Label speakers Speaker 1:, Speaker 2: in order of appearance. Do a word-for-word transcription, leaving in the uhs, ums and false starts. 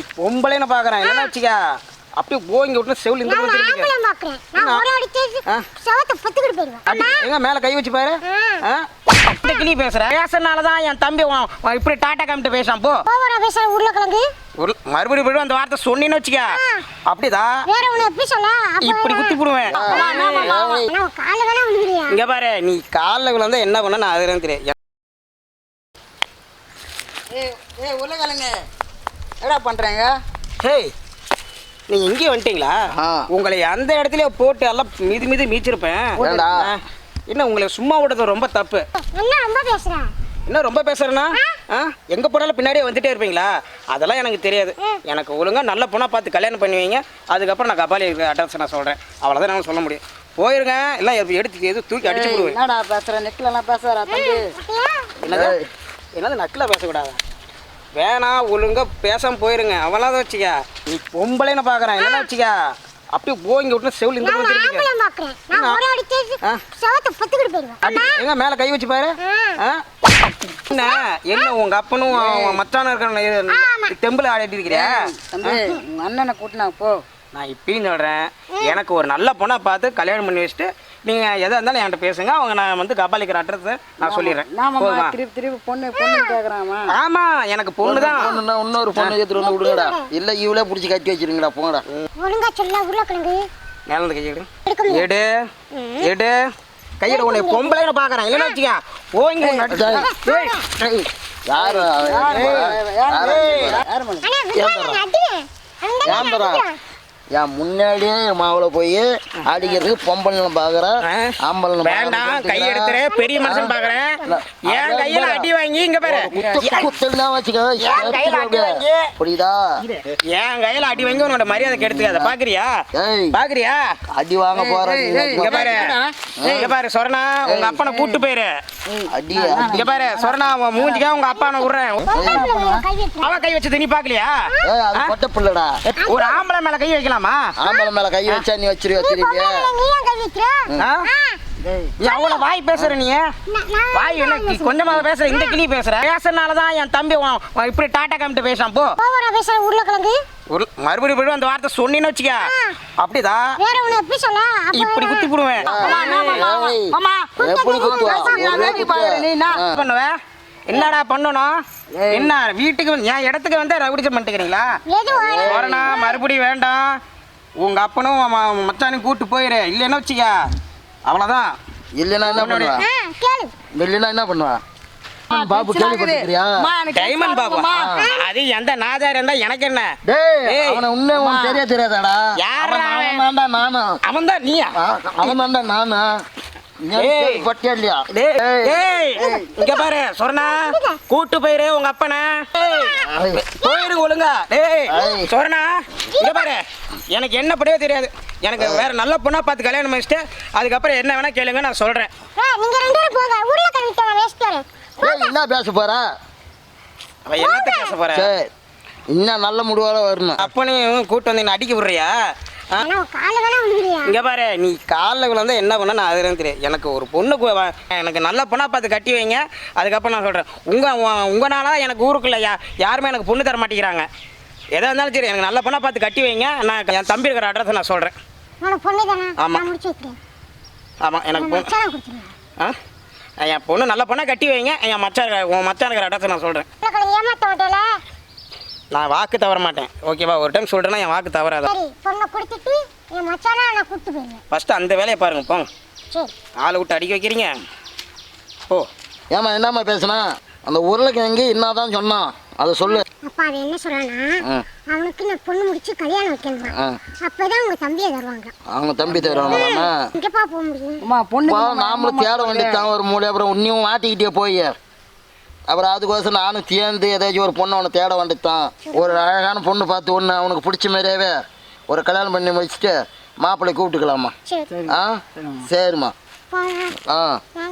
Speaker 1: நீ பொம்பளைன்னு பாக்குறேன் என்ன வச்சுக்க அப்படியே போங்க விட்டு செவில் இந்த பக்கம் திரும்பிக்க.
Speaker 2: நான் ஒரு அடிச்சு சவத்தை பத்துக்கிட்டு போயிடுவேன்.
Speaker 1: எங்க மேல கை வச்சு பாரு. இந்த கிளி பேசுற பேசுறனால தான் என் தம்பி இப்படி டாட்டா காமிட்டு பேசான். போ
Speaker 2: ஓவரா பேசுற உருளைக்கிழங்கு.
Speaker 1: மறுபடியும் போய் அந்த வார்த்தை சொன்னீன்னு வச்சுக்க அப்படிதான்
Speaker 2: வேற ஒண்ணு எப்படி சொல்ல
Speaker 1: இப்படி குத்தி போடுவேன்.
Speaker 2: நான் கால்ல வேணா விழுறியா?
Speaker 1: இங்க பாரு நீ கால்ல விழுந்தா என்ன பண்ண நான் அதுதான் தெரியும்.
Speaker 3: ஏய் ஏய் உருளைக்கிழங்கு என்னடா பண்றீங்க?
Speaker 1: ஹேய் நீங்க இங்கே வந்துட்டீங்களா? உங்களை அந்த இடத்துல போட்டு எல்லாம் மிதி மிதி மீச்சிருப்பேன். என்ன உங்களை சும்மா விடுறது ரொம்ப தப்பு.
Speaker 2: என்ன ரொம்ப பேசுற?
Speaker 1: என்ன ரொம்ப பேசுறேன்னா எங்க போனாலும் பின்னாடியே வந்துட்டே இருப்பீங்களா? அதெல்லாம் எனக்கு தெரியாது. எனக்கு ஒழுங்கா நல்ல பொண்ணா பார்த்து கல்யாணம் பண்ணுவீங்க. அதுக்கப்புறம் நான் கபாலி அட்ரஸ் நான் சொல்றேன். அவ்வளோதான் நான் சொல்ல முடியும். போயிருங்க எல்லாம் எடுத்து எது தூக்கி அடிச்சு விடுவேன்.
Speaker 3: என்னடா பேசுற நெக்லாம் பேசுறா தம்பி?
Speaker 1: என்னது என்னது நக்கில் பேசக்கூடாது. வேணாம் ஒழுங்கா பேசாம போயிருங்க. அவளாத வச்சுக்க நீ பொம்பளைன்னு பாக்குறேன் என்ன வச்சுக்க அப்படியே போங்க விட்டு செவில் இந்த பக்கம் திரும்பிக்க.
Speaker 2: நான் ஒரு அடிச்சு சவத்தை பத்துக்கிட்டு போயிடுவேன்.
Speaker 1: எங்க மேல கை வச்சு பாரு. என்ன என்ன உங்க அப்பனும் மச்சானும் இருக்கிற தெம்புல ஆடிட்டு இருக்கிறியா?
Speaker 3: தம்பி உங்க அண்ணனை கூட்டினா போ.
Speaker 1: நான் இப்பயும் சொல்றேன் எனக்கு ஒரு நல்ல பொண்ணா பார்த்து கல்யாணம் பண்ணி வச்சுட்டு நீங்க எதா இருந்தாலும் என்கிட்ட பேசுங்க. அவங்க நான் வந்து கபாலிக்கிற அட்ரஸ் நான் சொல்லிடுறேன்.
Speaker 3: திருப்பி திருப்பி பொண்ணு பொண்ணு கேக்குறாமா?
Speaker 1: ஆமா எனக்கு பொண்ணு தான்.
Speaker 4: பொண்ணுன்னா இன்னொரு பொண்ணு எடுத்துட்டு வந்து விடுங்கடா. இல்ல இவளே புடிச்சு கட்டி வச்சிருங்கடா. போங்கடா.
Speaker 2: ஒழுங்கா சொல்ல உருளைக்கிழங்கு.
Speaker 1: மேல இருந்து கையெடு எடு எடு கையிட உன்னை பொம்பளைன்னு பாக்குறேன் இல்லைன்னு வச்சுக்க போங்க.
Speaker 4: யாரு யாரு என் முன்னாடியே மாவுல போய் அடிக்கிறதுக்கு பொம்பளை பாக்குறேன். ஆம்பளை
Speaker 1: வேண்டாம் கை எடுத்துற பெரிய மனுஷன் பாக்குறேன். என் கையில அடி வாங்கி இங்க பாரு
Speaker 4: குத்தல் வச்சுக்க புரியுதா?
Speaker 1: என் கையில அடி வாங்கி உன்னோட மரியாதை கெடுத்துக்காத. பாக்குறியா பாக்குறியா
Speaker 4: அடி வாங்க போற
Speaker 1: இங்க பாரு இங்க பாரு சொரணா உங்க அப்பனை கூட்டு போயிரு.
Speaker 4: அடி
Speaker 1: இங்க பாரு சொரணா உன் மூஞ்சிக்கா உங்க அப்பானை விடுறேன். அவ கை வச்சது நீ பாக்கலையா?
Speaker 4: அது பொட்ட பிள்ளடா.
Speaker 1: ஒரு ஆம்பளை மேல கை வைக்கலாம்.
Speaker 4: ஆம்பளை மேல கை வச்சா நீ வச்சிருவியா? திருப்பி
Speaker 1: நீ அவ்வளவு வாய் பேசுற. நீ வாய் என்ன கொஞ்சமா பேசுற? இந்த கிளி பேசுற பேசுறனாலதான் என் தம்பி இப்படி டாட்டா காமிட்டு பேசான். போ
Speaker 2: பேசுற உருளைக்கிழங்கு.
Speaker 1: மறுபடியும் போய் அந்த வார்த்தை சொன்னீன்னு வச்சுக்க அப்படிதான்
Speaker 2: வேற ஒண்ணு எப்படி சொல்ல
Speaker 1: இப்படி குத்தி போடுவேன்.
Speaker 4: எப்படி குத்துவா?
Speaker 1: பண்ணுவ என்னடா பண்ணணும்? என்ன வீட்டுக்கு என் இடத்துக்கு வந்து ரவுடிச்சம் பண்ணிட்டுக்கிறீங்களா? மறுபடியும் வேண்டாம். உங்க அப்பனும் மச்சானையும் கூட்டு போயிரு. இல்லைன்னு வச்சுக்க அவ்வளவுதான்.
Speaker 4: இல்லைன்னா என்ன பண்ணுவா? இல்லைன்னா என்ன பண்ணுவா? பாபு கேள்விப்பட்டிருக்கியா?
Speaker 1: டைமண்ட் பாபு அது எந்த நாதார் இருந்தா எனக்கு என்ன?
Speaker 4: அவனை உன்னை உனக்கு தெரிய தெரியாதாடா?
Speaker 1: யாரா
Speaker 4: அவன் தான் நானும்.
Speaker 1: அவன் தான் நீயா?
Speaker 4: அவன் தான்டா நானும்.
Speaker 1: இங்க பாரு சொரணா கூட்டு போயிரு உங்க அப்பனை போயிரு ஒழுங்கா. டேய் சொரணா இங்க பாரு எனக்கு என்ன படியே தெரியாது. எனக்கு வேற நல்ல பொண்ணா பார்த்து கல்யாணம் பண்ணிட்டு அதுக்கப்புறம் என்ன வேணா கேளுங்க நான் சொல்றேன்.
Speaker 4: என்ன பேச போற?
Speaker 1: என்னத்த பேச போற?
Speaker 4: இன்னும் நல்ல முடிவால வரணும்.
Speaker 1: அப்பனையும் கூட்டு வந்து என்ன அடிக்க விடுறியா? இங்க பாரு நீ காலில் விழுந்தா என்ன பண்ண நான் அதுதான் தெரியும். எனக்கு ஒரு பொண்ணு எனக்கு நல்ல பொண்ணா பார்த்து கட்டி வைங்க. அதுக்கப்புறம் நான் சொல்றேன் உங்க உங்களால எனக்கு ஊருக்குள்ள யாருமே எனக்கு பொண்ணு தர மாட்டேங்கிறாங்க. எதா இருந்தாலும் சரி எனக்கு நல்ல பொண்ணா பார்த்து கட்டி வைங்க. நான் என் தம்பி இருக்கிற அட்ரஸ் நான் சொல்றேன். ஆமா ஆமா எனக்கு பொண்ணு ஆ என் பொண்ணு நல்ல பொண்ணா கட்டி வைங்க. என் மச்சான் உன் மச்சான் இருக்கிற அட்ரஸ் நான் சொல்றேன். நான் வாக்கு தவற மாட்டேன். ஓகேவா? ஒரு டைம் சொல்றேன்னா என் வாக்கு தவறாத. ஃபர்ஸ்ட் அந்த வேலையை பாருங்க போங்க. ஆளை விட்டு அடிக்க வைக்கிறீங்க. ஓ
Speaker 4: ஏமா என்னம்மா பேசுனா? அந்த உருளைக்கிழங்கு என்னதான் சொன்னான் அதை சொல்லு.
Speaker 2: அப்பா அவன் என்ன சொல்றானா அவனுக்கு நான் பொண்ணு முடிச்சு கல்யாணம் வைக்கணும். அப்பதான் உங்க தம்பியை தருவாங்க.
Speaker 4: அவங்க தம்பி தருவாங்க.
Speaker 2: எங்கப்பா போக முடியும்?
Speaker 3: அம்மா பொண்ணு
Speaker 4: நாமளும் தேட வேண்டியதான் ஒரு மூலை. அப்புறம் உன்னையும் மாட்டிக்கிட்டே போய் அப்புறம் அதுக்கோசம் நானும் சேர்ந்து ஏதாச்சும் ஒரு பொண்ணை அவனை தேட வேண்டியதான். ஒரு அழகான பொண்ணு பார்த்து ஒன்று அவனுக்கு பிடிச்ச மாதிரியாவே ஒரு கல்யாணம் பண்ணி வச்சுட்டு மாப்பிள்ளை கூப்பிட்டுக்கலாமா? ஆ சரிம்மா. ஆ